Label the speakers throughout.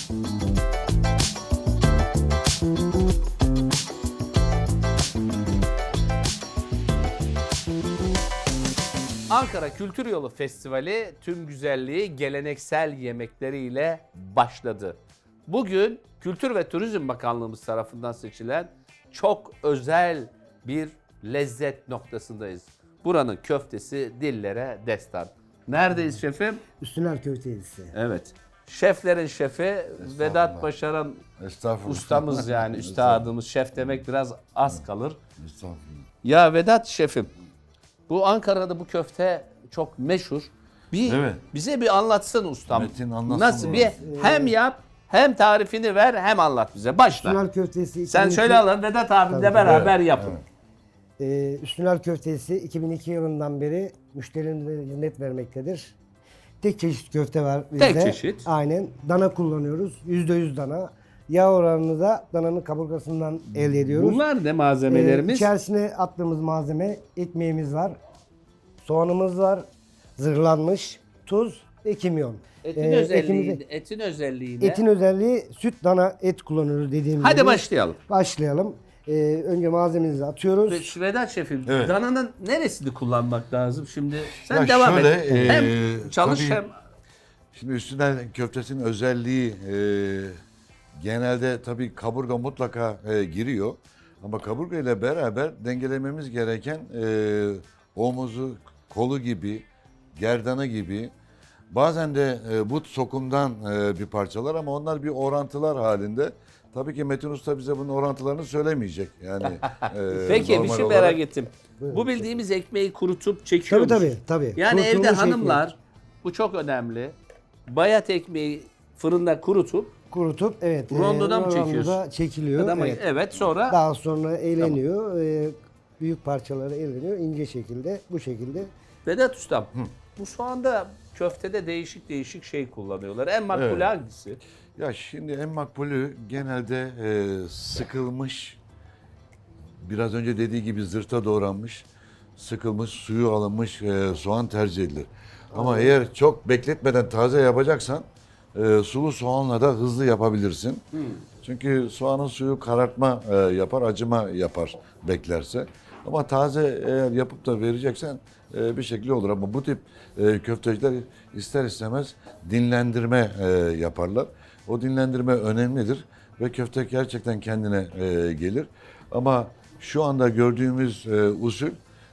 Speaker 1: Ankara Kültür Yolu Festivali tüm güzelliği geleneksel yemekleriyle başladı. Bugün Kültür ve Turizm Bakanlığımız tarafından seçilen çok özel bir lezzet noktasındayız. Buranın köftesi dillere destan. Neredeyiz şefim?
Speaker 2: Üstüner Köftecisi.
Speaker 1: Evet. Şeflerin şefi Vedat Başaran ustamız yani üstadımız. Şef demek biraz az kalır. Ya Vedat şefim, bu Ankara'da bu köfte çok meşhur. Bize bir anlatsın ustam.
Speaker 3: Metin anlatsın.
Speaker 1: Nasıl bir hem yap hem tarifini ver hem anlat bize. Başla.
Speaker 2: Üstüner Köftesi.
Speaker 1: Sen şöyle alın Vedat abimle beraber yapın.
Speaker 2: Üstüner Köftesi 2002 yılından beri müşterilerimize hizmet vermektedir. Tek çeşit köfte var bizde.
Speaker 1: Tek çeşit.
Speaker 2: Aynen. Dana kullanıyoruz. %100 dana. Yağ oranını da dananın kaburgasından elde ediyoruz.
Speaker 1: Bunlar ne malzemelerimiz?
Speaker 2: İçerisine attığımız malzeme ekmeğimiz var. Soğanımız var. Zırhlanmış. Tuz ve kimyon.
Speaker 1: Etin özelliği ne?
Speaker 2: Etin özelliği süt dana et kullanıyoruz dediğim gibi.
Speaker 1: Hadi başlayalım.
Speaker 2: Başlayalım. Önce malzememizi atıyoruz.
Speaker 1: Vedat şefim,
Speaker 3: Evet.
Speaker 1: dananın neresini kullanmak lazım şimdi? Sen
Speaker 3: Ya
Speaker 1: devam
Speaker 3: şöyle,
Speaker 1: et. Hem çalış
Speaker 3: tabii-
Speaker 1: hem...
Speaker 3: Şimdi üstünden köftesinin özelliği genelde tabii kaburga mutlaka giriyor. Ama kaburga ile beraber dengelememiz gereken omuzu, kolu gibi, gerdanı gibi. Bazen de but sokumdan bir parçalar ama onlar bir orantılar halinde. Tabii ki Metin Usta bize bunun orantılarını söylemeyecek. Yani
Speaker 1: Peki bir
Speaker 3: normal
Speaker 1: şey
Speaker 3: olarak.
Speaker 1: merak ettim. Bu bildiğimiz ekmeği kurutup çekiyor
Speaker 2: Tabii
Speaker 1: musun?
Speaker 2: tabii.
Speaker 1: Yani
Speaker 2: Kurutulmuş
Speaker 1: evde
Speaker 2: ekmek.
Speaker 1: hanımlar, bu çok önemli. Bayat ekmeği fırında kurutup
Speaker 2: Kurutup evet.
Speaker 1: Rondoda mı
Speaker 2: rondoda
Speaker 1: çekiyorsun?
Speaker 2: çekiliyor.
Speaker 1: evet.
Speaker 2: Evet.
Speaker 1: Sonra
Speaker 2: Daha sonra eğleniyor. Büyük parçaları eğleniyor. İnce şekilde bu şekilde.
Speaker 1: Vedat Ustam, bu soğanda köftede değişik şey kullanıyorlar. En makbul
Speaker 3: Evet.
Speaker 1: hangisi?
Speaker 3: Ya şimdi en makbulü genelde sıkılmış, biraz önce dediği gibi zırta doğranmış, sıkılmış, suyu alınmış soğan tercih edilir. Ama eğer çok bekletmeden taze yapacaksan sulu soğanla da hızlı yapabilirsin. Çünkü soğanın suyu karartma yapar, acıma yapar beklerse. Ama taze eğer yapıp da vereceksen bir şekilde olur. Ama bu tip köfteciler ister istemez dinlendirme yaparlar. O dinlendirme önemlidir ve köfte gerçekten kendine gelir. Ama şu anda gördüğümüz usul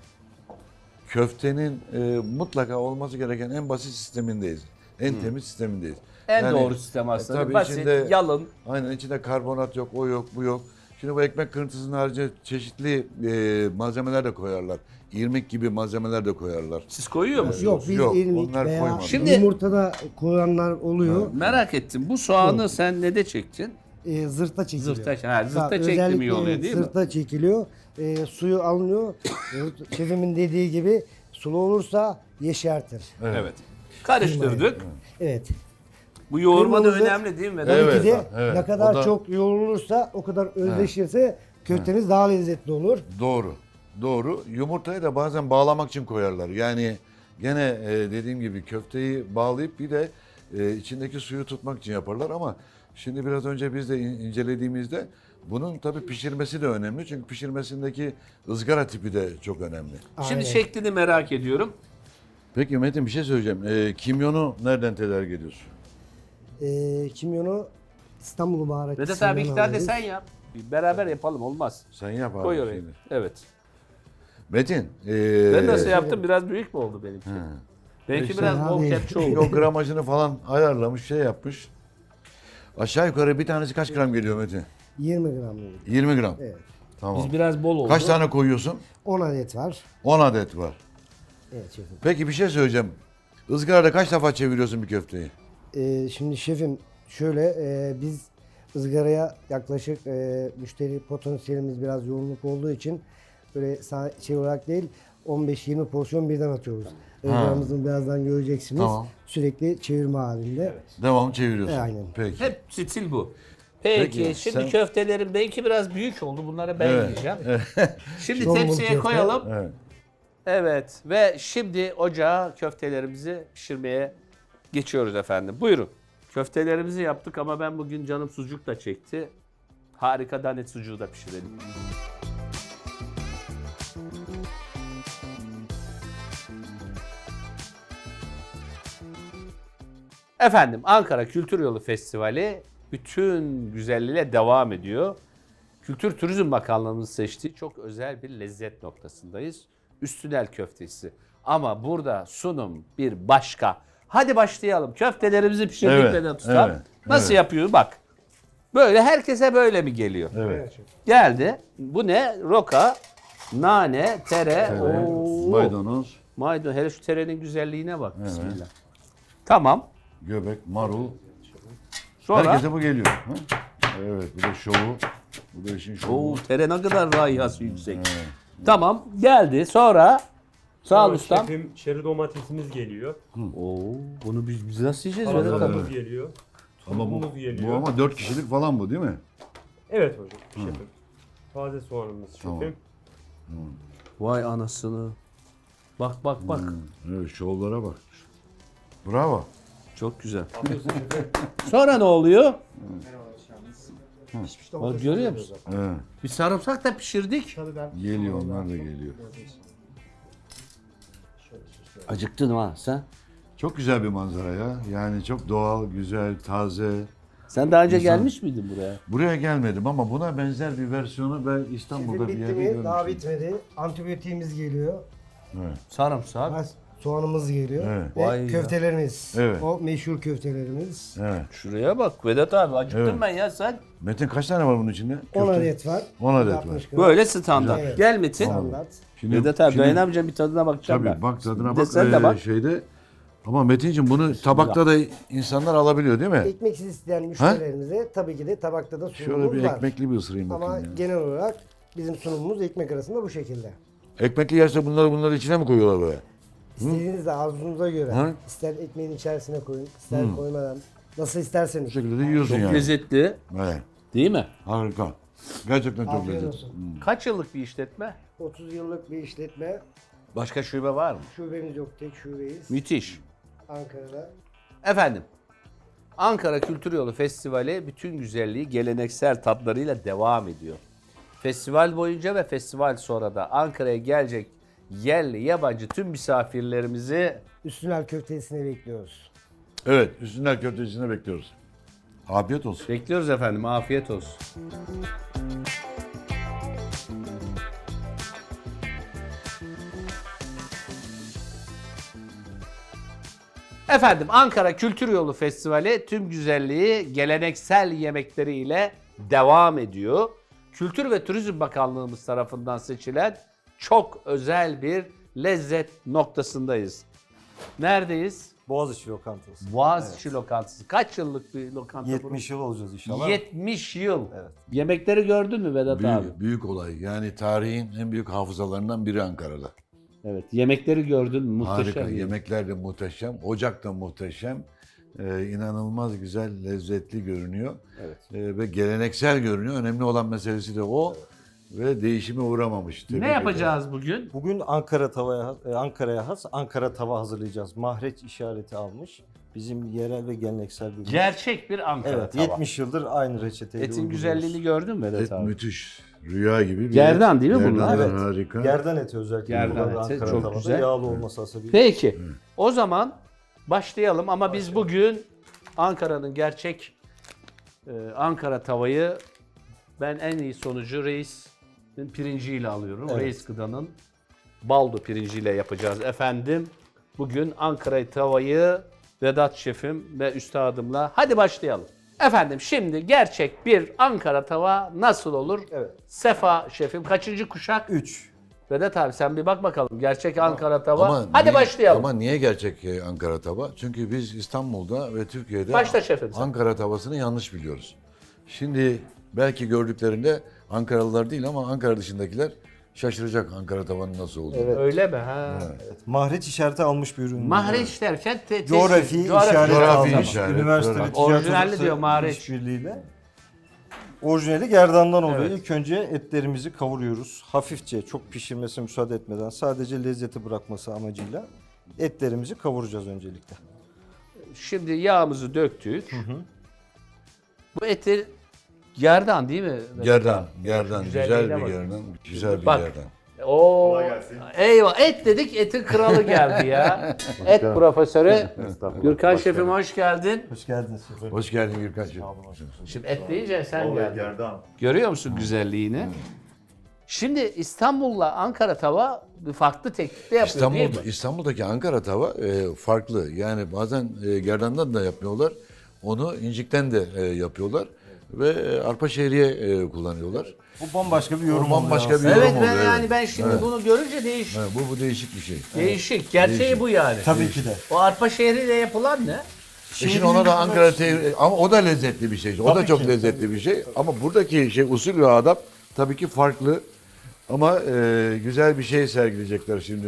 Speaker 3: köftenin mutlaka olması gereken en basit sistemindeyiz. En temiz sistemindeyiz.
Speaker 1: En
Speaker 3: Yani,
Speaker 1: doğru sistem aslında.
Speaker 3: tabii
Speaker 1: Basit,
Speaker 3: içinde-
Speaker 1: yalın.
Speaker 3: Aynen içinde karbonat yok, o yok, bu yok. Şimdi bu ekmek kırıntısının haricinde çeşitli malzemeler de koyarlar. İrmik gibi malzemeler de koyarlar.
Speaker 1: Siz koyuyor musunuz?
Speaker 2: Yok biz
Speaker 3: Yok,
Speaker 2: irmik
Speaker 3: onlar
Speaker 2: veya
Speaker 3: koymadık.
Speaker 1: Şimdi-
Speaker 2: yumurtada koyanlar oluyor.
Speaker 1: Merak ettim. Bu soğanı sen ne de çektin?
Speaker 2: Zırta çekiliyor.
Speaker 1: Zırta çekti mi iyi
Speaker 2: Özellikle
Speaker 1: oluyor değil mi?
Speaker 2: Zırta çekiliyor. Suyu alınıyor. Şefimin dediği gibi sulu olursa yeşertir.
Speaker 1: Evet. Karıştırdık.
Speaker 2: Evet.
Speaker 1: Bu yoğurma da
Speaker 2: Kırmızı-
Speaker 1: önemli değil mi?
Speaker 2: Tabii
Speaker 3: Evet,
Speaker 2: ki de
Speaker 3: evet.
Speaker 2: ne kadar
Speaker 3: O da-
Speaker 2: çok yoğrulursa o kadar özleşirse köfteniz daha lezzetli olur.
Speaker 3: Doğru. Doğru. Yumurtayı da bazen bağlamak için koyarlar. Yani gene dediğim gibi köfteyi bağlayıp bir de içindeki suyu tutmak için yaparlar ama şimdi biraz önce biz de incelediğimizde bunun tabii pişirmesi de önemli. Çünkü pişirmesindeki ızgara tipi de çok önemli.
Speaker 1: Şimdi
Speaker 2: Aynen.
Speaker 1: şeklini merak ediyorum.
Speaker 3: Peki Metin bir şey söyleyeceğim. Kimyonu nereden tedarik ediyorsun?
Speaker 2: Kimyonu İstanbul baharatçısından
Speaker 1: Vedat abi 2 tane de
Speaker 2: alıyoruz.
Speaker 1: sen yap. Beraber yapalım olmaz.
Speaker 3: Sen yap abi.
Speaker 1: Koy oraya.
Speaker 3: şimdi.
Speaker 1: Evet.
Speaker 3: Metin.
Speaker 1: Ben nasıl yaptım? Biraz büyük mü oldu benimki? Benimki
Speaker 3: İşte
Speaker 1: biraz bol
Speaker 2: abi.
Speaker 1: kepçe
Speaker 3: O
Speaker 1: oldu.
Speaker 3: gramajını falan ayarlamış, şey yapmış. Aşağı yukarı bir tanesi kaç gram geliyor Metin?
Speaker 2: 20 gram.
Speaker 3: 20 gram.
Speaker 2: Evet.
Speaker 3: Tamam.
Speaker 1: Biz biraz bol oldu.
Speaker 3: Kaç tane koyuyorsun?
Speaker 2: 10 adet var.
Speaker 3: 10 adet var.
Speaker 2: Evet şefim.
Speaker 3: Peki bir şey söyleyeceğim. Izgarada kaç defa çeviriyorsun bir köfteyi?
Speaker 2: Şimdi şefim şöyle biz ızgaraya yaklaşık müşteri potansiyelimiz biraz yoğunluk olduğu için böyle şey olarak değil 15-20 porsiyon birden atıyoruz. Izgaramızı birazdan göreceksiniz.
Speaker 3: Tamam.
Speaker 2: Sürekli çevirme halinde.
Speaker 3: Devamlı çeviriyorsun.
Speaker 2: Aynen.
Speaker 3: Peki.
Speaker 1: Hep stil bu. Peki,
Speaker 3: Peki,
Speaker 1: şimdi
Speaker 3: sen-
Speaker 1: köftelerim belki biraz büyük oldu. Bunları ben
Speaker 3: Evet.
Speaker 1: yiyeceğim. Şimdi
Speaker 2: Tombul
Speaker 1: tepsiye
Speaker 2: köfte.
Speaker 1: koyalım.
Speaker 3: Evet.
Speaker 1: Evet ve şimdi ocağa köftelerimizi pişirmeye geçiyoruz efendim. Buyurun. Köftelerimizi yaptık ama ben bugün canım sucuk da çekti. Harika danet sucuğu da pişirelim. Efendim, Ankara Kültür Yolu Festivali bütün güzelliğiyle devam ediyor. Kültür Turizm Bakanlığımızın seçtiği çok özel bir lezzet noktasındayız. Üstünel köftesi. Ama burada sunum bir başka. Hadi başlayalım. Köftelerimizi pişirdik
Speaker 3: Evet,
Speaker 1: Vedat Ustam.
Speaker 3: evet,
Speaker 1: Nasıl
Speaker 3: evet.
Speaker 1: yapıyor bak. Böyle herkese böyle mi geliyor?
Speaker 3: Evet.
Speaker 1: Geldi. Bu ne? Roka, nane, tere. Oo.
Speaker 3: Maydanoz,
Speaker 1: Maydanoz. Hele şu terenin güzelliğine bak. Bismillah. Tamam.
Speaker 3: göbek, marul.
Speaker 1: Sonra
Speaker 3: Herkese bu geliyor. Ha? Evet, bu da şovu. Bu da işin şovu.
Speaker 1: Oo, tere ne kadar rayhası yüksek. Tamam. Geldi. Sonra sağ ol
Speaker 4: Sonra
Speaker 1: ustam.
Speaker 4: şefim çeri domatesimiz geliyor.
Speaker 1: Oo, bunu biz nasıl yiyeceğiz Vedat abi?
Speaker 4: Salatamız geliyor.
Speaker 3: Ama bu,
Speaker 4: Tuzumuz geliyor.
Speaker 3: bu ama 4 kişilik falan bu değil mi?
Speaker 4: Evet hocam şefim. Taze soğanımız şefim.
Speaker 3: Tamam.
Speaker 1: Vay anasını. Bak bak bak.
Speaker 3: Evet, şovlara bak. Bravo.
Speaker 1: Çok güzel. Sonra ne oluyor?
Speaker 2: Pişmiş
Speaker 1: Bak
Speaker 2: domates
Speaker 1: görüyor
Speaker 2: oluyor
Speaker 1: musun?
Speaker 2: zaten.
Speaker 3: Evet.
Speaker 1: Bir sarımsak da pişirdik.
Speaker 2: Tabii ben
Speaker 3: Geliyor, onlar da geliyor.
Speaker 1: Acıktın ha sen.
Speaker 3: Çok güzel bir manzara ya. Yani çok doğal, güzel, taze.
Speaker 1: Sen daha önce
Speaker 3: İnsan-
Speaker 1: gelmiş miydin buraya?
Speaker 3: Buraya gelmedim ama buna benzer bir versiyonu ben İstanbul'da bir
Speaker 2: bitti
Speaker 3: yerde
Speaker 2: mi?
Speaker 3: görmüştüm.
Speaker 2: Daha bitmedi. Antibiyotiğimiz geliyor.
Speaker 3: Evet.
Speaker 1: Sarımsak.
Speaker 2: Soğanımız geliyor.
Speaker 3: Evet.
Speaker 2: Ve
Speaker 1: Vay ya.
Speaker 2: köftelerimiz.
Speaker 3: Evet.
Speaker 2: O meşhur köftelerimiz.
Speaker 3: Evet.
Speaker 1: Şuraya bak Vedat abi acıktım
Speaker 3: Evet.
Speaker 1: ben ya sen.
Speaker 3: Metin kaç tane var bunun içinde?
Speaker 2: 10
Speaker 3: Köfte.
Speaker 2: adet var.
Speaker 3: 10 adet
Speaker 2: 60
Speaker 3: var.
Speaker 2: gram.
Speaker 1: Böyle standart.
Speaker 2: Evet.
Speaker 1: Gel Metin.
Speaker 2: Standart.
Speaker 3: Şimdi,
Speaker 1: Vedat abi
Speaker 3: şimdi-
Speaker 1: dayanamayacağım bir tadına bakacağım
Speaker 3: Tabii
Speaker 1: ben.
Speaker 3: bak tadına
Speaker 1: Bir de
Speaker 3: bak.
Speaker 1: sen de bak.
Speaker 3: Şeyde. Ama Metin'cim bunu tabakta da insanlar alabiliyor değil mi?
Speaker 2: Ekmeksiz isteyen müşterilerimize tabii ki de tabakta da
Speaker 3: Şöyle
Speaker 2: sunumumuz
Speaker 3: bir
Speaker 2: var.
Speaker 3: ekmekli bir ısırayım
Speaker 2: Ama
Speaker 3: bakayım ya.
Speaker 2: genel olarak bizim sunumumuz ekmek arasında bu şekilde.
Speaker 3: Ekmekli yerse bunları içine mi koyuyorlar böyle?
Speaker 2: İstediğiniz de arzunuza göre.
Speaker 3: Hı?
Speaker 2: İster ekmeğin içerisine koyun, ister koymadan. Nasıl isterseniz.
Speaker 3: Bu şekilde de yiyorsun
Speaker 1: Çok
Speaker 3: yani.
Speaker 1: lezzetli.
Speaker 3: Evet.
Speaker 1: Değil mi?
Speaker 3: Harika. Gerçekten çok
Speaker 2: Afiyet
Speaker 3: lezzetli.
Speaker 2: olsun.
Speaker 1: Kaç yıllık bir işletme?
Speaker 2: 30 yıllık bir işletme.
Speaker 1: Başka şube var mı?
Speaker 2: Şubemiz yok, tek şubeyiz.
Speaker 1: Müthiş.
Speaker 2: Ankara'da.
Speaker 1: Efendim, Ankara Kültür Yolu Festivali bütün güzelliği geleneksel tatlarıyla devam ediyor. Festival boyunca ve festival sonra da Ankara'ya gelecek yerli, yabancı tüm misafirlerimizi
Speaker 2: Üstünel köftesini bekliyoruz.
Speaker 3: Evet, üstünden köftesini bekliyoruz. Afiyet olsun.
Speaker 1: bekliyoruz efendim. Afiyet olsun. Efendim Ankara Kültür Yolu Festivali tüm güzelliği geleneksel yemekleriyle devam ediyor. Kültür ve Turizm Bakanlığımız tarafından seçilen çok özel bir lezzet noktasındayız. Neredeyiz?
Speaker 5: Boğaziçi Lokantası.
Speaker 1: Boğaziçi Lokantası. Kaç yıllık bir lokanta?
Speaker 5: 70 yıl olacağız inşallah.
Speaker 1: 70 yıl.
Speaker 5: Evet.
Speaker 1: Yemekleri gördün mü Vedat abi?
Speaker 3: Büyük olay. Yani tarihin en büyük hafızalarından biri Ankara'da.
Speaker 1: Evet. Yemekleri gördün mü? Muhteşem.
Speaker 3: Harika.
Speaker 1: yemek.
Speaker 3: Yemekler de muhteşem. Ocak da muhteşem. İnanılmaz güzel, lezzetli görünüyor.
Speaker 1: Evet.
Speaker 3: Ve geleneksel görünüyor. Önemli olan meselesi de o. Ve değişime uğramamış. Tebrik
Speaker 1: Ne
Speaker 3: ederim.
Speaker 1: yapacağız bugün?
Speaker 5: Bugün Ankara'ya has Ankara tava hazırlayacağız. Mahreç işareti almış. Bizim yerel ve geleneksel bir ürün.
Speaker 1: Gerçek bir Ankara
Speaker 5: Evet,
Speaker 1: tava.
Speaker 5: 70 yıldır aynı reçeteyle
Speaker 1: Etin
Speaker 5: uyguluyoruz.
Speaker 1: güzelliğini gördün mü Vedat
Speaker 3: Et
Speaker 1: abi?
Speaker 3: müthiş. Rüya gibi bir
Speaker 1: Gerdan
Speaker 3: et.
Speaker 1: değil mi
Speaker 3: Gerdan,
Speaker 1: bunlar?
Speaker 5: Evet.
Speaker 3: Harika.
Speaker 5: Gerdan eti özellikle.
Speaker 1: Gerdan
Speaker 5: kullanılır
Speaker 1: eti,
Speaker 5: Ankara
Speaker 1: çok
Speaker 5: tavada.
Speaker 1: güzel.
Speaker 5: Yağlı olması hasebiyle.
Speaker 1: Peki. O zaman başlayalım ama biz bugün Ankara'nın gerçek Ankara tavayı ben en iyi sonucu Reis'in pirinciyle alıyorum.
Speaker 5: Evet.
Speaker 1: Reis Gıda'nın baldo pirinciyle yapacağız efendim. Bugün Ankara tavayı Vedat şefim ve üstadımla hadi başlayalım. Efendim şimdi gerçek bir Ankara tava nasıl olur?
Speaker 5: Evet.
Speaker 1: Sefa şefim kaçıncı kuşak?
Speaker 5: 3.
Speaker 1: Vedat abi sen bir bak bakalım gerçek Ankara tava.
Speaker 3: Ama
Speaker 1: hadi
Speaker 3: niye-
Speaker 1: başlayalım.
Speaker 3: Ama niye gerçek Ankara tava? Çünkü biz İstanbul'da ve Türkiye'de
Speaker 1: Başla şefim sen.
Speaker 3: Ankara tavasını yanlış biliyoruz. Şimdi belki gördüklerinde Ankaralılar değil ama Ankara dışındakiler şaşıracak Ankara tavanın nasıl olduğunu.
Speaker 5: Evet.
Speaker 1: Öyle mi? Ha.
Speaker 5: Mahreç işareti almış bir ürün.
Speaker 1: Mahreç derken
Speaker 5: Coğrafi işareti
Speaker 3: Coğrafi
Speaker 5: almış.
Speaker 3: işaret,
Speaker 5: Üniversite
Speaker 3: coğrafi.
Speaker 5: ve Ticaret
Speaker 1: Orijinali
Speaker 5: Odası
Speaker 1: diyor Mahreç.
Speaker 5: işbirliğiyle. Orijinali gerdandan oluyor.
Speaker 1: Evet.
Speaker 5: İlk önce etlerimizi kavuruyoruz. Hafifçe, çok pişirmesine müsaade etmeden sadece lezzeti bırakması amacıyla etlerimizi kavuracağız öncelikle.
Speaker 1: Şimdi yağımızı döktük. Bu eti gerdan değil mi?
Speaker 3: Gerdan, gerdan. Güzel
Speaker 1: Güzelliğine
Speaker 3: bir
Speaker 1: bak.
Speaker 3: gerdan. Güzel bir
Speaker 1: Bak.
Speaker 3: gerdan.
Speaker 1: Oo.
Speaker 4: Kolay gelsin.
Speaker 1: Eyvah, et dedik, etin kralı geldi ya. Et profesörü Gürkan şefim hoş geldin.
Speaker 5: Hoş geldiniz şefim.
Speaker 3: Hoş geldin Gürkan'cığım.
Speaker 1: Şimdi et deyince sen geldin.
Speaker 4: Gerdan.
Speaker 1: Görüyor musun güzelliğini? Şimdi İstanbul'la Ankara tava bir farklı teknikte yapıyor değil mi?
Speaker 3: İstanbul'daki Ankara tava farklı. Yani bazen gerdandan da yapmıyorlar. Onu incikten de yapıyorlar. Ve arpa şehriye kullanıyorlar.
Speaker 5: Bu bambaşka bir yorum
Speaker 3: O bambaşka
Speaker 5: oldu
Speaker 3: bir
Speaker 5: ya.
Speaker 1: Evet
Speaker 3: yorum
Speaker 1: ben
Speaker 3: oluyor,
Speaker 1: yani
Speaker 3: evet.
Speaker 1: ben şimdi bunu görünce değişik.
Speaker 3: Ha, bu değişik bir şey.
Speaker 1: Değişik. Gerçeği
Speaker 3: Değişik.
Speaker 1: bu yani.
Speaker 5: Tabii ki de.
Speaker 1: O arpa şehriyle yapılan ne?
Speaker 3: Şimdi ona da Ankara ama o da lezzetli bir şey. O da
Speaker 5: Tabii
Speaker 3: çok
Speaker 5: ki.
Speaker 3: lezzetli bir şey. Ama buradaki şey usul ve adab tabii ki farklı. Ama güzel bir şey sergileyecekler şimdi.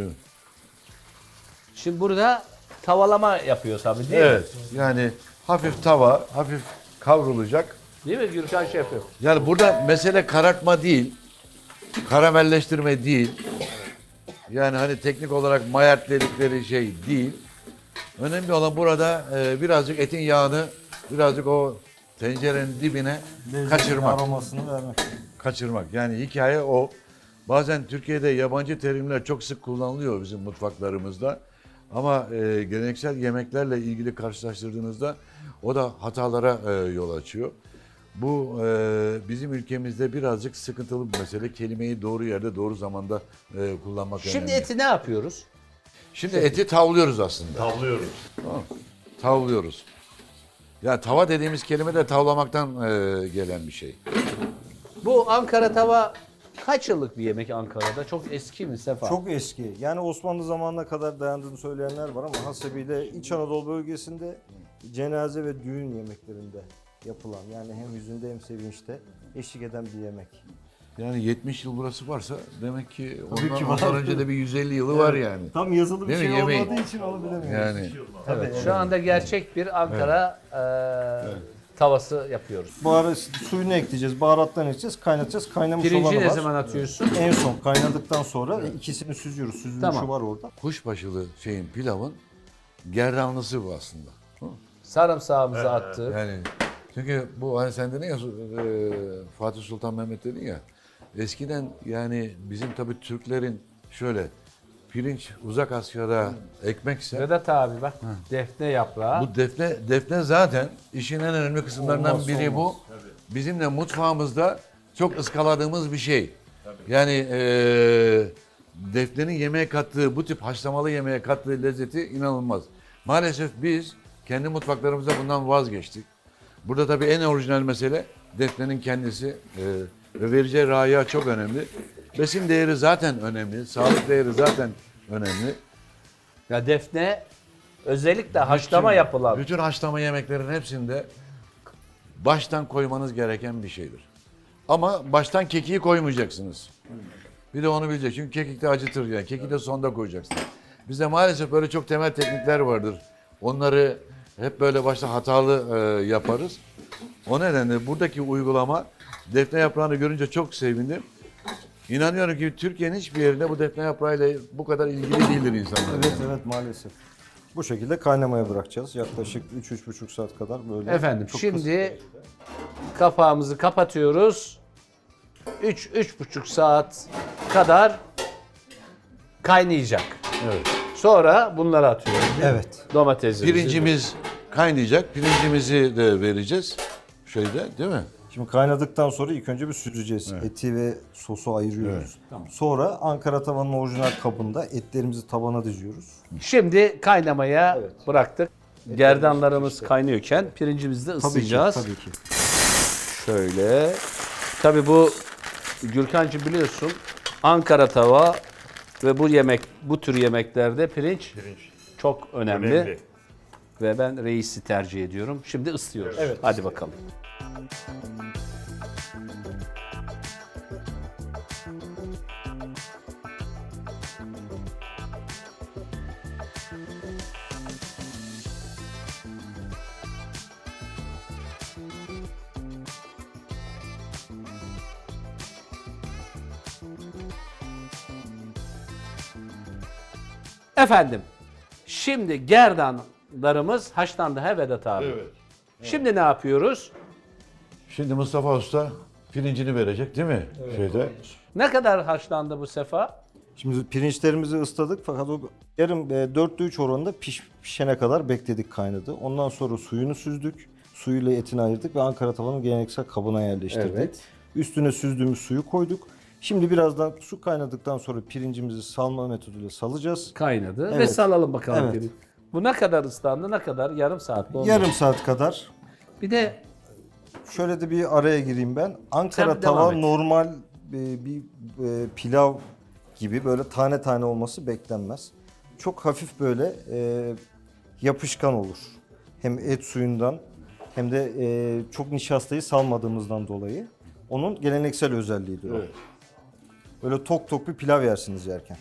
Speaker 1: Şimdi burada tavalama yapıyor tabii değil mi?
Speaker 3: Evet. Yani hafif tava, hafif kavrulacak.
Speaker 1: Değil mi Gürkan şefim?
Speaker 3: Yani burada mesele karartma değil, karamelleştirme değil. Yani hani teknik olarak mayert dedikleri şey değil. Önemli olan burada birazcık etin yağını, birazcık o tencerenin dibine kaçırmak.
Speaker 5: Aromasını vermek.
Speaker 3: Kaçırmak. Yani hikaye o. Bazen Türkiye'de yabancı terimler çok sık kullanılıyor bizim mutfaklarımızda. Ama geleneksel yemeklerle ilgili karşılaştırdığınızda o da hatalara yol açıyor. Bu bizim ülkemizde birazcık sıkıntılı bir mesele. Kelimeyi doğru yerde, doğru zamanda kullanmak
Speaker 1: Şimdi
Speaker 3: önemli.
Speaker 1: eti ne yapıyoruz?
Speaker 3: Şimdi eti tavlıyoruz aslında.
Speaker 4: Tavlıyoruz.
Speaker 3: Tamam. Tavlıyoruz. Ya tava dediğimiz kelime de tavlamaktan gelen bir şey.
Speaker 1: Bu Ankara tava kaç yıllık bir yemek Ankara'da? Çok eski mi Sefa?
Speaker 5: Çok eski. Yani Osmanlı zamanına kadar dayandığını söyleyenler var ama hasebiyle İç Anadolu bölgesinde cenaze ve düğün yemeklerinde yapılan, yani hem hüzünde hem sevinçte eşlik eden bir yemek.
Speaker 3: Yani 70 yıl burası varsa demek ki
Speaker 5: Tabii ki
Speaker 3: ondan
Speaker 5: var.
Speaker 3: önce de bir 150 yılı var yani.
Speaker 5: Tam yazılı bir
Speaker 3: Değil mi?
Speaker 5: şey
Speaker 3: Yemeği.
Speaker 5: olmadığı için onu bilemiyoruz.
Speaker 3: Yani
Speaker 5: Evet.
Speaker 1: Şu anda gerçek bir Ankara tavası yapıyoruz.
Speaker 5: Bu ara suyunu ekleyeceğiz, baharatlarını ekleyeceğiz, kaynatacağız. Kaynamış
Speaker 1: Pirinci
Speaker 5: olanı
Speaker 1: ne
Speaker 5: var.
Speaker 1: zaman atıyorsun?
Speaker 5: En son kaynadıktan sonra ikisini süzüyoruz. Süzülmüşü
Speaker 1: Tamam.
Speaker 5: var orada.
Speaker 3: kuşbaşılı şeyin pilavın gerdanlısı bu aslında.
Speaker 1: Sarımsağımızı attık.
Speaker 3: Yani çünkü bu hani sen dedin ya Fatih Sultan Mehmet dedin ya eskiden yani bizim tabii Türklerin şöyle pirinç uzak Asya'da ekmekse
Speaker 1: Vedat abi bak defne yaprağı.
Speaker 3: bu defne zaten işin en önemli kısımlarından
Speaker 5: Olmazsa
Speaker 3: biri bu. Bizim de mutfağımızda çok ıskaladığımız bir şey. Yani defnenin yemeğe kattığı, bu tip haşlamalı yemeğe kattığı lezzeti inanılmaz. Maalesef biz kendi mutfaklarımızda bundan vazgeçtik. Burada tabii en orijinal mesele defnenin kendisi ve vereceği raiya çok önemli. Besin değeri zaten önemli, sağlık değeri zaten önemli.
Speaker 1: Ya defne özellikle haşlama yapılan.
Speaker 3: Bütün haşlama yemeklerin hepsinde baştan koymanız gereken bir şeydir. Ama baştan kekiği koymayacaksınız. Bir de onu bilecek. Çünkü kekik de acıtır yani. Kekiği de sonda koyacaksınız. Bizde maalesef böyle çok temel teknikler vardır. Onları hep böyle başta hatalı yaparız. O nedenle buradaki uygulama defne yaprağını görünce çok sevindim. İnanıyorum ki Türkiye'nin hiçbir yerinde bu defne yaprağıyla bu kadar ilgili değildir insanlar.
Speaker 5: Evet evet maalesef. Bu şekilde kaynamaya bırakacağız. Yaklaşık 3-3,5 saat kadar böyle.
Speaker 1: Efendim
Speaker 5: Çok
Speaker 1: şimdi kapağımızı kapatıyoruz. 3-3,5 saat kadar kaynayacak.
Speaker 3: Evet.
Speaker 1: Sonra bunları atıyoruz.
Speaker 5: Evet.
Speaker 1: Domatesimizi.
Speaker 3: Pirincimiz kaynayacak. Pirincimizi de vereceğiz. Şeyde değil mi?
Speaker 5: Şimdi kaynadıktan sonra ilk önce bir süzeceğiz. Eti ve sosu ayırıyoruz. Sonra Ankara tavanın orijinal kabında etlerimizi tabana diziyoruz.
Speaker 1: Şimdi kaynamaya bıraktık. Gerdanlarımız kaynıyorken pirincimizi de ısıtacağız.
Speaker 5: Tabii ki.
Speaker 1: Şöyle. Tabii bu Gürkancığım biliyorsun Ankara tava ve bu tür yemeklerde pirinç çok önemli. Ve ben reisi tercih ediyorum. Şimdi ısıtıyoruz.
Speaker 5: Evet.
Speaker 1: Hadi bakalım. Efendim, şimdi gerdan soğanlarımız haşlandı he Vedat abi?
Speaker 3: Evet.
Speaker 1: Şimdi ne yapıyoruz?
Speaker 3: Şimdi Mustafa Usta pirincini verecek değil mi? Şeyde.
Speaker 1: Ne kadar haşlandı bu sefa?
Speaker 5: Şimdi pirinçlerimizi ısladık fakat o yarım 4'te 3 oranında pişene kadar bekledik, kaynadı. Ondan sonra suyunu süzdük. Suyuyla etini ayırdık ve Ankara tavanın geleneksel kabına yerleştirdik.
Speaker 1: Evet.
Speaker 5: Üstüne süzdüğümüz suyu koyduk. Şimdi birazdan su kaynadıktan sonra pirincimizi salma metoduyla salacağız.
Speaker 1: Kaynadı ve
Speaker 5: Evet.
Speaker 1: salalım bakalım.
Speaker 5: Evet.
Speaker 1: pirinç. Bu ne kadar ıslandı? Ne kadar? Yarım saat mi oldu?
Speaker 5: Yarım saat kadar.
Speaker 1: Bir de
Speaker 5: Şöyle de bir araya gireyim ben. Ankara
Speaker 1: Sen devam
Speaker 5: tava
Speaker 1: et.
Speaker 5: normal bir pilav gibi böyle tane tane olması beklenmez. Çok hafif böyle yapışkan olur. Hem et suyundan hem de çok nişastayı salmadığımızdan dolayı. Onun geleneksel özelliğidir o.
Speaker 3: Evet.
Speaker 5: Böyle tok tok bir pilav yersiniz yerken.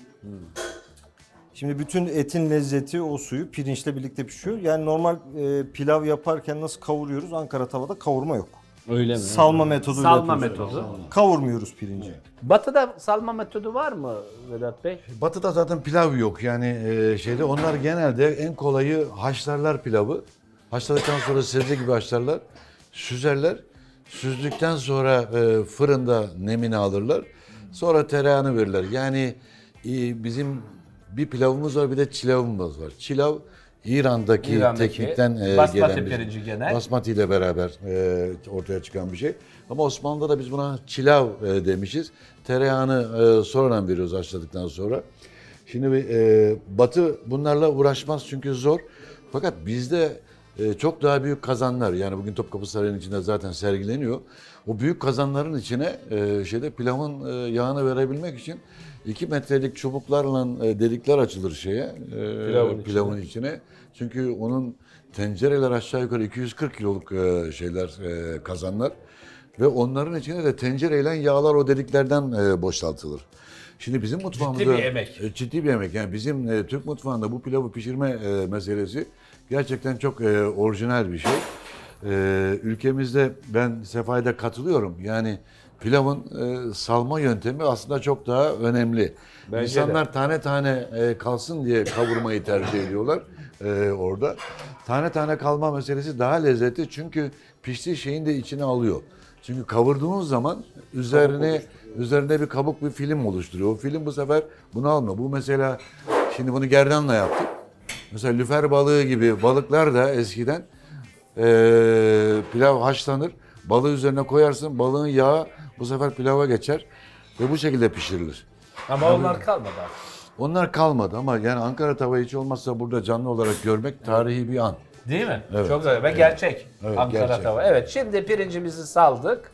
Speaker 5: Şimdi bütün etin lezzeti o suyu pirinçle birlikte pişiyor. Yani normal pilav yaparken nasıl kavuruyoruz? Ankara tavada kavurma yok.
Speaker 1: öyle mi?
Speaker 5: Salma metoduyla
Speaker 1: Salma
Speaker 5: yapıyoruz.
Speaker 1: metodu.
Speaker 5: Kavurmuyoruz pirinci.
Speaker 1: Batı'da salma metodu var mı Vedat Bey?
Speaker 3: Batı'da zaten pilav yok yani şeyde onlar genelde en kolayı haşlarlar pilavı. Haşladıktan sonra sebze gibi haşlarlar, süzerler. Süzdükten sonra fırında nemini alırlar. Sonra tereyağını verirler. Yani bizim bir pilavımız var bir de çilavımız var. Çilav İran'daki teknikten
Speaker 1: basmati
Speaker 3: gelen bir
Speaker 1: pirinci genel.
Speaker 3: Basmati ile beraber ortaya çıkan bir şey. Ama Osmanlı'da da biz buna çilav demişiz. Tereyağını sonradan veriyoruz haşladıktan sonra. Şimdi Batı bunlarla uğraşmaz çünkü zor. Fakat bizde çok daha büyük kazanlar, yani bugün Topkapı Sarayı'nın içinde zaten sergileniyor. O büyük kazanların içine pilavın yağını verebilmek için 2 metrelik çubuklarla delikler açılır pilavın içine. Çünkü onun tencereler aşağı yukarı 240 kiloluk kazanlar ve onların içine de tencereyle yağlar o deliklerden boşaltılır. Şimdi bizim mutfağımızda
Speaker 1: bir emek.
Speaker 3: Ciddi bir emek. Yani bizim Türk mutfağında bu pilavı pişirme meselesi gerçekten çok orijinal bir şey. Ülkemizde ben Sefa'ya katılıyorum. Yani pilavın salma yöntemi aslında çok daha önemli.
Speaker 1: Bence
Speaker 3: İnsanlar tane tane kalsın diye kavurmayı tercih ediyorlar orada. Tane tane kalma meselesi daha lezzetli çünkü piştiği şeyin de içine alıyor. Çünkü kavurduğunuz zaman üzerine bir kabuk, bir film oluşturuyor. O film bu sefer bunu almıyor. Bu mesela şimdi bunu gerdanla yaptık. Mesela lüfer balığı gibi balıklar da eskiden pilav haşlanır. Balığı üzerine koyarsın. Balığın yağı bu sefer pilava geçer ve bu şekilde pişirilir.
Speaker 1: Ama onlar kalmadı artık.
Speaker 3: Onlar kalmadı ama yani Ankara tava hiç olmazsa burada canlı olarak görmek tarihi bir an.
Speaker 1: Değil mi?
Speaker 3: Evet.
Speaker 1: Çok güzel ve gerçek.
Speaker 3: Evet,
Speaker 1: Ankara
Speaker 3: gerçek.
Speaker 1: tava. Evet, şimdi pirincimizi saldık.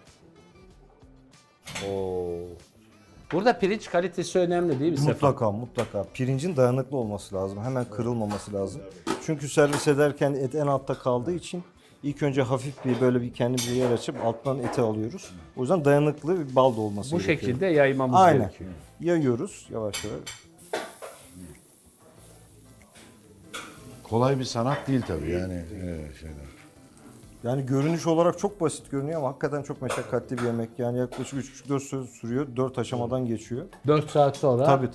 Speaker 1: Burada pirinç kalitesi önemli değil mi Sefa?
Speaker 5: Mutlaka. Pirincin dayanıklı olması lazım. Hemen kırılmaması lazım. Çünkü servis ederken et en altta kaldığı için ilk önce hafif bir kendimize yer açıp alttan eti alıyoruz. O yüzden dayanıklı bir balda olması
Speaker 1: Bu
Speaker 5: gerekiyor.
Speaker 1: şekilde yaymamız
Speaker 5: Aynen.
Speaker 1: gerekiyor.
Speaker 5: Yayıyoruz yavaş yavaş.
Speaker 3: Kolay bir sanat değil tabii yani şeyler.
Speaker 5: Yani görünüş olarak çok basit görünüyor ama hakikaten çok meşakkatli bir yemek. Yani yaklaşık 3,5-4 saat sürüyor. 4 aşamadan geçiyor.
Speaker 1: 4 saat sonra.
Speaker 5: Tabii.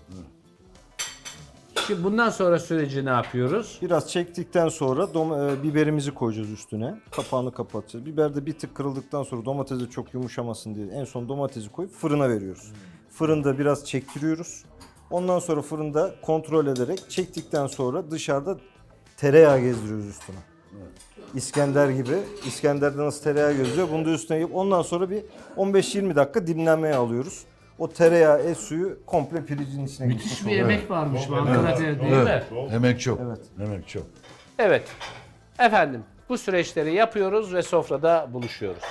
Speaker 1: Şimdi bundan sonra süreci ne yapıyoruz?
Speaker 5: Biraz çektikten sonra biberimizi koyacağız üstüne. Kapağını kapatacağız. Biber de bir tık kırıldıktan sonra domatesi çok yumuşamasın diye en son domatesi koyup fırına veriyoruz. Fırında biraz çektiriyoruz. Ondan sonra fırında kontrol ederek çektikten sonra dışarıda tereyağı gezdiriyoruz üstüne. İskender gibi. İskender'de nasıl tereyağı gezdiriyor bunu da üstüne yapıp ondan sonra bir 15-20 dakika dinlenmeye alıyoruz. O tereyağı, et suyu komple pirincin içine
Speaker 1: Müthiş
Speaker 5: gitmiş
Speaker 1: bir
Speaker 5: oluyor.
Speaker 1: emek varmış bu Ankara'da değil mi?
Speaker 3: Emek çok.
Speaker 5: Evet.
Speaker 3: Emek çok.
Speaker 1: Evet. Efendim bu süreçleri yapıyoruz ve sofrada buluşuyoruz.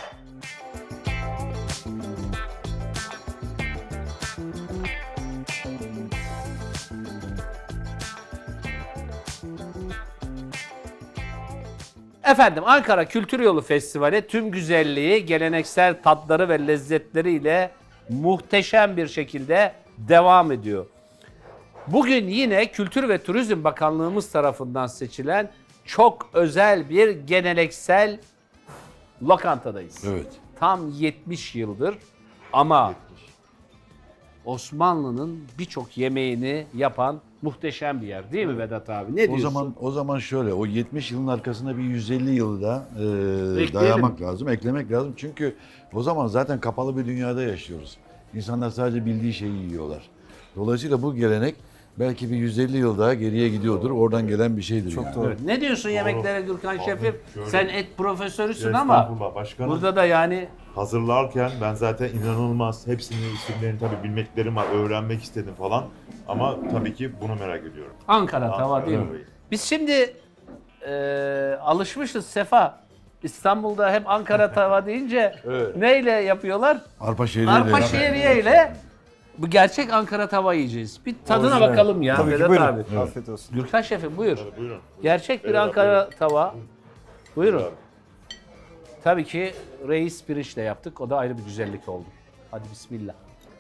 Speaker 1: Efendim Ankara Kültür Yolu Festivali tüm güzelliği, geleneksel tatları ve lezzetleriyle muhteşem bir şekilde devam ediyor. Bugün yine Kültür ve Turizm Bakanlığımız tarafından seçilen çok özel bir geleneksel lokantadayız.
Speaker 3: Evet.
Speaker 1: Tam 70 yıldır ama Osmanlı'nın birçok yemeğini yapan muhteşem bir yer değil mi Vedat abi? Ne diyorsun?
Speaker 3: O zaman şöyle, o 70 yılın arkasına bir 150 yılı da
Speaker 1: Ekleyelim.
Speaker 3: dayamak lazım, eklemek lazım. Çünkü o zaman zaten kapalı bir dünyada yaşıyoruz. İnsanlar sadece bildiği şeyi yiyorlar. Dolayısıyla bu gelenek belki bir 150 yıl daha geriye gidiyordur. Oradan gelen bir şeydir. Çok
Speaker 2: doğru.
Speaker 1: Evet. Ne diyorsun yemeklere Gürkan şefim?
Speaker 6: şöyle-
Speaker 1: Sen et profesörüsün ama
Speaker 6: Estağfurullah başkanım.
Speaker 1: burada da yani
Speaker 6: Hazırlarken ben zaten inanılmaz hepsinin isimlerini tabii bilmeklerim var, öğrenmek istedim falan. Ama tabii ki bunu merak ediyorum.
Speaker 1: Ankara tava değil mi?
Speaker 6: tavayı.
Speaker 1: Biz şimdi alışmışız Sefa. İstanbul'da hep Ankara tava deyince neyle yapıyorlar?
Speaker 3: Arpa şehriye
Speaker 1: Arpa şehriye ile bu gerçek Ankara tava yiyeceğiz. Bir tadına
Speaker 5: Orijinal.
Speaker 1: bakalım ya
Speaker 5: Tabii ki,
Speaker 1: Vedat
Speaker 5: buyurun.
Speaker 1: abi.
Speaker 5: Afiyet olsun.
Speaker 1: Gürkan şefim buyur.
Speaker 6: Tabii, buyurun.
Speaker 1: Gerçek bir
Speaker 6: Vedat,
Speaker 1: Ankara tava. Buyurun.
Speaker 6: Abi.
Speaker 1: Tabii ki reis pirinçle yaptık. O da ayrı bir güzellik oldu. Hadi bismillah.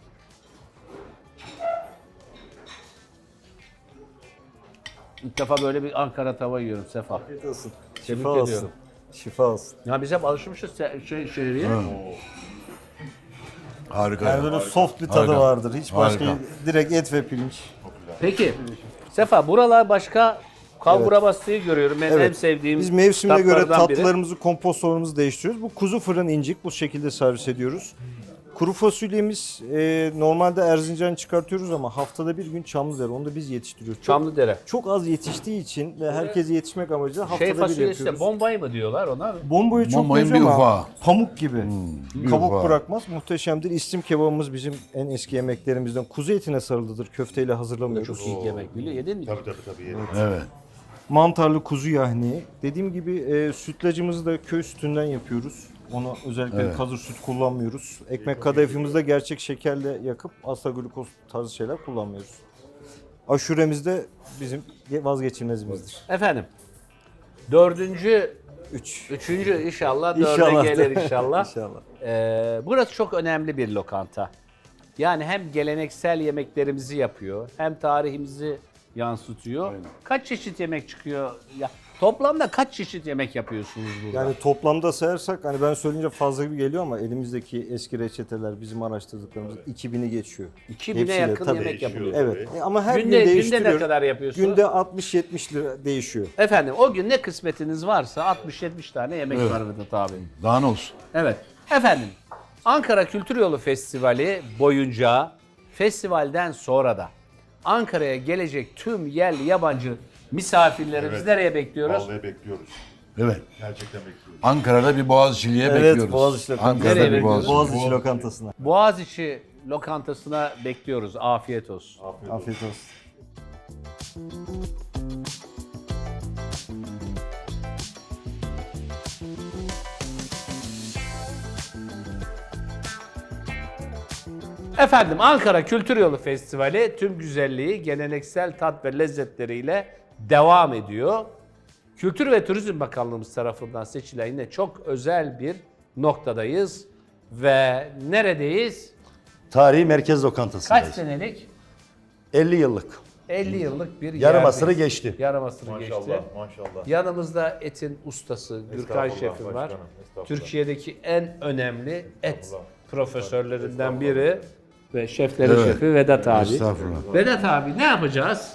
Speaker 1: İlk defa böyle bir Ankara tava yiyorum Sefa.
Speaker 5: Afiyet olsun.
Speaker 1: Tebrik
Speaker 5: Şifa olsun.
Speaker 1: ediyorum.
Speaker 5: Şifa olsun.
Speaker 1: Ya biz hep alışmışız şehriye.
Speaker 3: Harika.
Speaker 5: Yani böyle soft bir tadı
Speaker 3: Harika.
Speaker 5: vardır. Hiç başka
Speaker 3: Harika.
Speaker 5: direkt et ve pirinç.
Speaker 1: Peki Sefa buralar başka kalbura bastığı görüyorum. Benim en
Speaker 5: Evet.
Speaker 1: sevdiğim
Speaker 5: Biz mevsimine göre
Speaker 1: tatlardan biri.
Speaker 5: tatlılarımızı, kompostlarımızı değiştiriyoruz. Bu kuzu fırın incik bu şekilde servis ediyoruz. Kuru fasulyemiz normalde Erzincan çıkartıyoruz ama haftada bir gün Çamlıdere. Onu da biz yetiştiriyoruz. Çok,
Speaker 1: Çamlıdere.
Speaker 5: çok az yetiştiği için ve herkese yetişmek amacıyla haftada
Speaker 1: Şey
Speaker 5: bir
Speaker 1: fasulyesi de
Speaker 5: yapıyoruz.
Speaker 1: bombayı mı diyorlar ona?
Speaker 5: Bombayı çok
Speaker 3: Bombayın
Speaker 5: benziyor
Speaker 3: bir
Speaker 5: ama
Speaker 3: ufağı.
Speaker 5: pamuk gibi.
Speaker 3: bir
Speaker 5: Kabuk
Speaker 3: ufağı.
Speaker 5: bırakmaz. Muhteşemdir. İstim kebabımız bizim en eski yemeklerimizden. Kuzu etine sarılıdır. Köfteyle hazırlamıyoruz.
Speaker 1: Çok iyi yemek biliyor. Yedin mi?
Speaker 6: Tabii. Yedim.
Speaker 3: Evet.
Speaker 5: Mantarlı kuzu yahni. Dediğim gibi sütlacımızı da köy sütünden yapıyoruz. Onu özellikle
Speaker 3: Evet.
Speaker 5: hazır süt kullanmıyoruz. Ekmek kadayıfımızı da gerçek şekerle yakıp asla glukoz tarzı şeyler kullanmıyoruz. Aşuremiz de bizim vazgeçilmezimizdir.
Speaker 1: Efendim. Üçüncü inşallah dörde
Speaker 5: İnşallah.
Speaker 1: gelir inşallah.
Speaker 5: İnşallah.
Speaker 1: Burası çok önemli bir lokanta. Yani hem geleneksel yemeklerimizi yapıyor, hem tarihimizi yansıtıyor. Kaç çeşit yemek çıkıyor? Ya toplamda kaç çeşit yemek yapıyorsunuz burada?
Speaker 5: Yani toplamda sayarsak hani ben söyleyince fazla gibi geliyor ama elimizdeki eski reçeteler bizim araştırdıklarımız 2000'i geçiyor.
Speaker 1: 2000'e
Speaker 5: Hepsiyle,
Speaker 1: yakın
Speaker 5: tabii.
Speaker 1: yemek yapılıyor.
Speaker 5: Evet. Ama her
Speaker 1: Günde
Speaker 5: gün
Speaker 1: ne
Speaker 5: değiştiriyor.
Speaker 1: kadar yapıyorsunuz?
Speaker 5: Günde 60-70 lira değişiyor.
Speaker 1: Efendim o gün ne kısmetiniz varsa 60-70 tane yemek var Vedat abi.
Speaker 3: Daha ne olsun?
Speaker 1: Evet. Efendim Ankara Kültür Yolu Festivali boyunca festivalden sonra da Ankara'ya gelecek tüm yerli yabancı misafirlerimizi
Speaker 6: Evet.
Speaker 1: nereye bekliyoruz?
Speaker 6: Vallahi bekliyoruz.
Speaker 3: Evet.
Speaker 6: Gerçekten bekliyoruz.
Speaker 3: Ankara'da bir Boğaziçi'liye
Speaker 5: Evet,
Speaker 3: bekliyoruz.
Speaker 5: Boğaziçi Lokantası'na.
Speaker 3: Ankara'da
Speaker 1: Nereye
Speaker 3: bir
Speaker 1: bekliyoruz?
Speaker 5: Boğaziçi lokantasına.
Speaker 1: Boğaziçi lokantasına bekliyoruz. Afiyet olsun.
Speaker 5: Afiyet olsun.
Speaker 1: Efendim Ankara Kültür Yolu Festivali tüm güzelliği, geleneksel tat ve lezzetleriyle devam ediyor. Kültür ve Turizm Bakanlığımız tarafından seçilen yine çok özel bir noktadayız. Ve neredeyiz?
Speaker 7: Tarihi merkez
Speaker 1: Kaç
Speaker 7: lokantasındayız.
Speaker 1: senelik?
Speaker 7: 50 yıllık.
Speaker 1: 50 yıllık bir
Speaker 7: Yarım
Speaker 1: yerdeyiz.
Speaker 7: asırı geçti.
Speaker 1: Yarım asırı
Speaker 6: Maşallah,
Speaker 1: geçti.
Speaker 6: maşallah.
Speaker 1: Yanımızda etin ustası Gürkan
Speaker 6: Estağfurullah
Speaker 1: Şef'im var.
Speaker 6: başkanım, estağfurullah.
Speaker 1: Türkiye'deki en önemli et
Speaker 6: Estağfurullah.
Speaker 1: profesörlerinden biri ve şefleri
Speaker 3: Evet.
Speaker 1: şefi Vedat abi.
Speaker 3: Estağfurullah.
Speaker 1: Vedat abi ne yapacağız?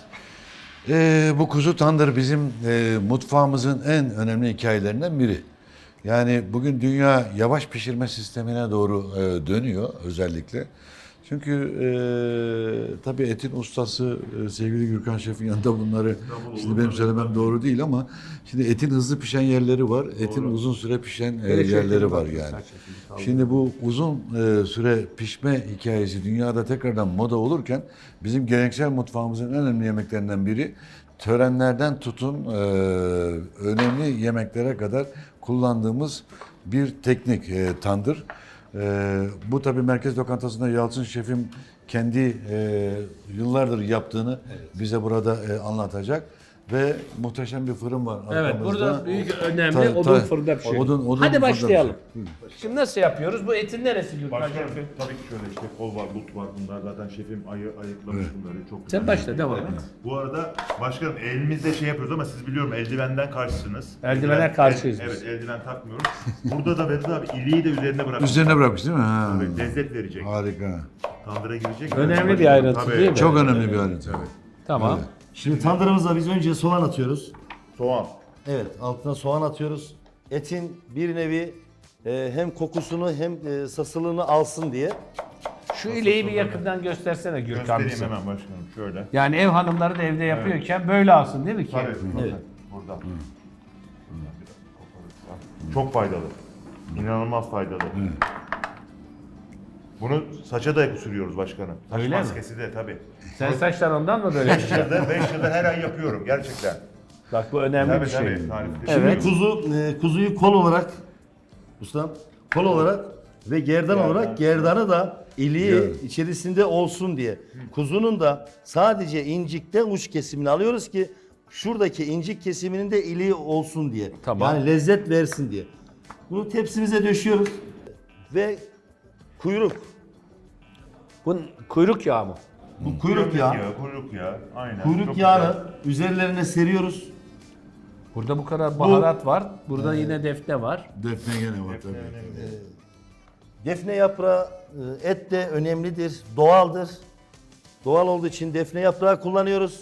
Speaker 3: Bu kuzu tandır bizim mutfağımızın en önemli hikayelerinden biri. Yani bugün dünya yavaş pişirme sistemine doğru dönüyor özellikle. Çünkü tabii etin ustası sevgili Gürkan Şef'in yanında bunları şimdi benim söylemem doğru değil ama şimdi etin hızlı pişen yerleri var, etin uzun süre pişen yerleri var yani. Şimdi bu uzun süre pişme hikayesi dünyada tekrardan moda olurken bizim geleneksel mutfağımızın en önemli yemeklerinden biri törenlerden tutun önemli yemeklere kadar kullandığımız bir teknik tandır. Bu tabii merkez lokantasında Yalçın Şef'im kendi yıllardır yaptığını bize burada anlatacak. Ve muhteşem bir fırın var
Speaker 1: Evet
Speaker 3: arkamızda.
Speaker 1: burada büyük önemli
Speaker 3: Ta-
Speaker 1: odun
Speaker 3: ta-
Speaker 1: fırında pişiyor.
Speaker 3: odun
Speaker 1: Hadi
Speaker 3: fırında
Speaker 1: başlayalım.
Speaker 3: pişiyor.
Speaker 1: Şimdi nasıl yapıyoruz? Bu etin neresi Gürkan
Speaker 6: Başkanım
Speaker 1: Şef'im?
Speaker 6: tabii ki şöyle işte kol var, but var. Bunlar zaten şefim ayıklamış bunları. Çok güzel.
Speaker 1: Sen başla devam et.
Speaker 6: Bu arada başkanım elimizde şey yapıyoruz ama siz biliyorum eldivenden karşısınız.
Speaker 1: Eldivene karşıyız biz.
Speaker 6: Evet eldiven takmıyoruz. Burada da Vedat abi iliği de üzerine bırakmış.
Speaker 3: Üzerine bırakmış değil mi? Ha.
Speaker 6: Tabii, lezzet verecek.
Speaker 3: Harika.
Speaker 6: Tandıra girecek.
Speaker 1: Önemli bir ayrıntı
Speaker 6: Tabii.
Speaker 1: değil mi?
Speaker 3: Çok önemli bir ayrıntı.
Speaker 1: Tamam.
Speaker 3: Evet.
Speaker 7: Şimdi tandırımıza biz önce soğan atıyoruz.
Speaker 6: Soğan.
Speaker 7: Evet, altına soğan atıyoruz. Etin bir nevi hem kokusunu hem sasılığını alsın diye.
Speaker 1: Şu ileği bir yakından göstersene Gürkan
Speaker 6: Göstereyim
Speaker 1: bize.
Speaker 6: hemen başkanım şöyle.
Speaker 1: Yani ev hanımları da evde yapıyorken böyle alsın değil mi ki?
Speaker 6: Tabii.
Speaker 7: Evet.
Speaker 6: Burada. Çok faydalı. İnanılmaz faydalı. Bunu saça da sürüyoruz başkanım. Saç
Speaker 1: Öyle mi?
Speaker 6: maskesi de tabii.
Speaker 1: Sen saçlar ondan mı böyle?
Speaker 6: 5 yıldır her ay yapıyorum gerçekten.
Speaker 1: Bak bu önemli
Speaker 6: Tabii
Speaker 1: bir şey.
Speaker 6: tabii. Tarifli.
Speaker 1: Evet.
Speaker 7: Şimdi kuzuyu kol olarak, ustam, kol olarak ve gerdan olarak gerdanı da iliği içerisinde olsun diye. Kuzunun da sadece incikten uç kesimini alıyoruz ki şuradaki incik kesiminin de iliği olsun diye.
Speaker 1: Tamam.
Speaker 7: Yani lezzet versin diye. Bunu tepsimize döşüyoruz ve kuyruk.
Speaker 1: Bu kuyruk yağı mı?
Speaker 7: Bu kuyruk yağı.
Speaker 6: Kuyruk yağı. Aynen.
Speaker 7: Kuyruk
Speaker 6: Çok
Speaker 7: yağını üzerlerine seriyoruz.
Speaker 1: Burada bu kadar baharat var. Burada yine defne var.
Speaker 3: Defne gene var tabii.
Speaker 7: Defne yaprağı, et de önemlidir, doğaldır. Doğal olduğu için defne yaprağı kullanıyoruz.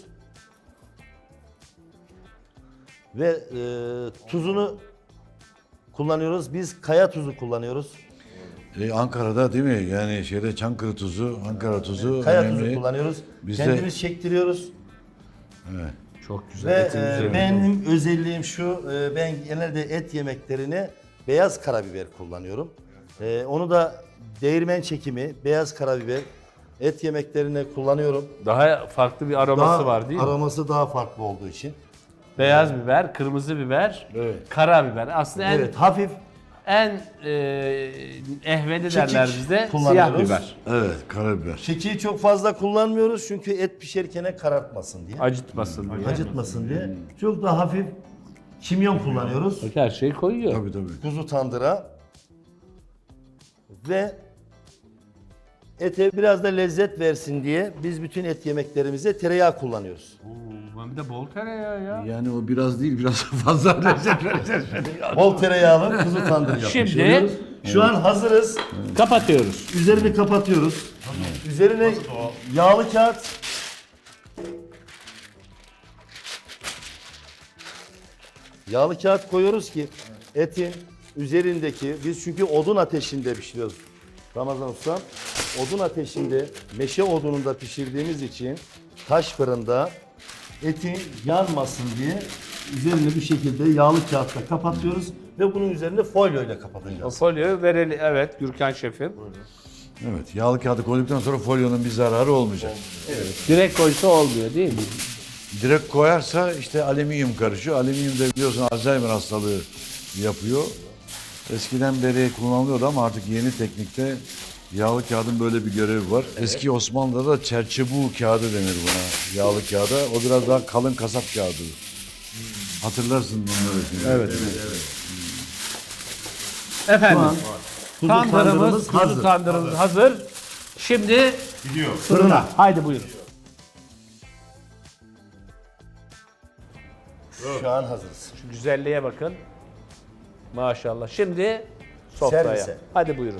Speaker 7: Ve tuzunu kullanıyoruz. Biz kaya tuzu kullanıyoruz.
Speaker 3: Ankara'da değil mi? Yani şeyde Çankırı tuzu, Ankara tuzu
Speaker 7: Kaya
Speaker 3: önemli.
Speaker 7: tuzu kullanıyoruz.
Speaker 3: Biz de-
Speaker 7: Kendimiz çektiriyoruz.
Speaker 1: Çok güzel.
Speaker 7: Ve
Speaker 1: etin üzerinde.
Speaker 7: benim özelliğim şu, ben genelde et yemeklerine beyaz karabiber kullanıyorum. Onu da değirmen çekimi, beyaz karabiber et yemeklerine kullanıyorum.
Speaker 1: Daha farklı bir aroması
Speaker 7: Daha
Speaker 1: var değil mi?
Speaker 7: aroması daha farklı olduğu için.
Speaker 1: Beyaz biber, kırmızı biber,
Speaker 7: Evet.
Speaker 1: karabiber. Aslında
Speaker 7: Evet, hafif
Speaker 1: en ehveni
Speaker 7: Kekik
Speaker 1: derler bizde. Siyah
Speaker 7: kullanıyoruz.
Speaker 1: biber.
Speaker 3: Evet, karabiber.
Speaker 7: kekiği çok fazla kullanmıyoruz çünkü et pişerken karartmasın diye.
Speaker 1: Acıtmasın diye.
Speaker 7: Acıtmasın diye. Çok daha hafif kimyon kullanıyoruz.
Speaker 1: Bak her şeyi koyuyor.
Speaker 3: Tabii tabii.
Speaker 7: Kuzu tandıra ve ete biraz da lezzet versin diye biz bütün et yemeklerimize tereyağı kullanıyoruz.
Speaker 1: Oo, bir de bol tereyağı ya.
Speaker 3: Yani o biraz değil, biraz fazla lezzet vereceğiz.
Speaker 7: Bol tereyağlı kuzu tandır yapmış
Speaker 1: Şimdi-
Speaker 7: oluyoruz. Şu an hazırız.
Speaker 1: Kapatıyoruz.
Speaker 7: Üzerini kapatıyoruz. Üzerine yağlı kağıt. Yağlı kağıt koyuyoruz ki etin üzerindeki, biz çünkü odun ateşinde pişiriyoruz. Ramazan Usta, odun ateşinde, meşe odununda pişirdiğimiz için taş fırında etin yanmasın diye üzerini bir şekilde yağlı kağıtla kapatıyoruz ve bunun üzerine folyo ile
Speaker 1: O
Speaker 7: kapatacağız.
Speaker 1: folyoyu verelim. Evet Gürkan şefim.
Speaker 3: Evet, yağlı kağıdı koyduktan sonra folyonun bir zararı olmayacak.
Speaker 1: Direkt koysa olmuyor değil mi?
Speaker 3: Direkt koyarsa işte alüminyum karışıyor. Alüminyum de biliyorsun Alzheimer hastalığı yapıyor. Eskiden beri kullanılıyordu ama artık yeni teknikte yağlı kağıdın böyle bir görevi var. Eski Osmanlı'da da çerçebu kağıdı denir buna, yağlı kağıda. O biraz daha kalın kasap kağıdı. Hatırlarsın bunları.
Speaker 1: Evet. Efendim.
Speaker 7: Kuzu
Speaker 1: Tandırımız, kuzu
Speaker 7: hazır.
Speaker 1: tandırımız hazır. Şimdi
Speaker 6: Gidiyor.
Speaker 1: fırına. Haydi buyurun.
Speaker 7: Şu an hazırız.
Speaker 1: Şu güzelliğe bakın. Maşallah. Şimdi sofraya.
Speaker 7: Servise.
Speaker 1: Hadi buyurun.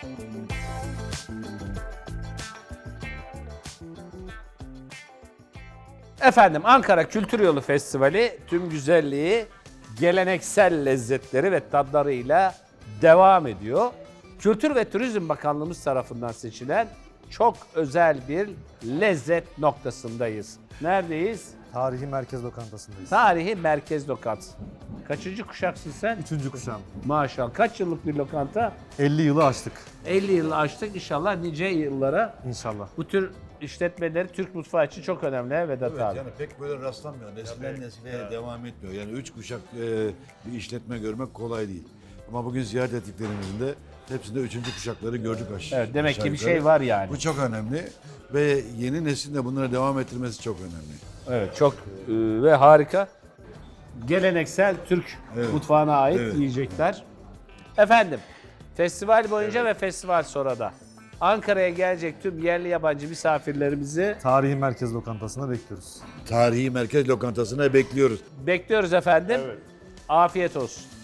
Speaker 1: Efendim Ankara Kültür Yolu Festivali tüm güzelliği, geleneksel lezzetleri ve tadlarıyla devam ediyor. Kültür ve Turizm Bakanlığımız tarafından seçilen çok özel bir lezzet noktasındayız. Neredeyiz?
Speaker 8: Tarihi Merkez Lokantası'ndayız.
Speaker 1: Tarihi Merkez Lokantası. Kaçıncı kuşaksın sen?
Speaker 8: 3. kuşağım.
Speaker 1: Maşallah. Kaç yıllık bir lokanta?
Speaker 8: 50 yılı aştık
Speaker 1: 50 yıl açtık. İnşallah nice yıllara
Speaker 8: inşallah.
Speaker 1: bu tür işletmeleri Türk mutfağı için çok önemli Vedat
Speaker 3: Evet,
Speaker 1: abi.
Speaker 3: yani pek böyle rastlanmıyor. Nesilden nesile devam etmiyor. Yani 3 kuşak bir işletme görmek kolay değil. Ama bugün ziyaret ettiklerimizde hepsinde 3. kuşakları gördük aşağı.
Speaker 1: Evet, demek ki bir
Speaker 3: yukarı.
Speaker 1: şey var yani.
Speaker 3: Bu çok önemli ve yeni neslin de bunları devam ettirmesi çok önemli.
Speaker 1: Evet, çok ve harika. Geleneksel Türk mutfağına ait
Speaker 3: Evet.
Speaker 1: yiyecekler. Efendim, festival boyunca ve festival sonra da Ankara'ya gelecek tüm yerli yabancı misafirlerimizi
Speaker 8: Tarihi Merkez Lokantası'na bekliyoruz.
Speaker 3: Tarihi merkez lokantasına bekliyoruz.
Speaker 1: bekliyoruz efendim. Afiyet olsun.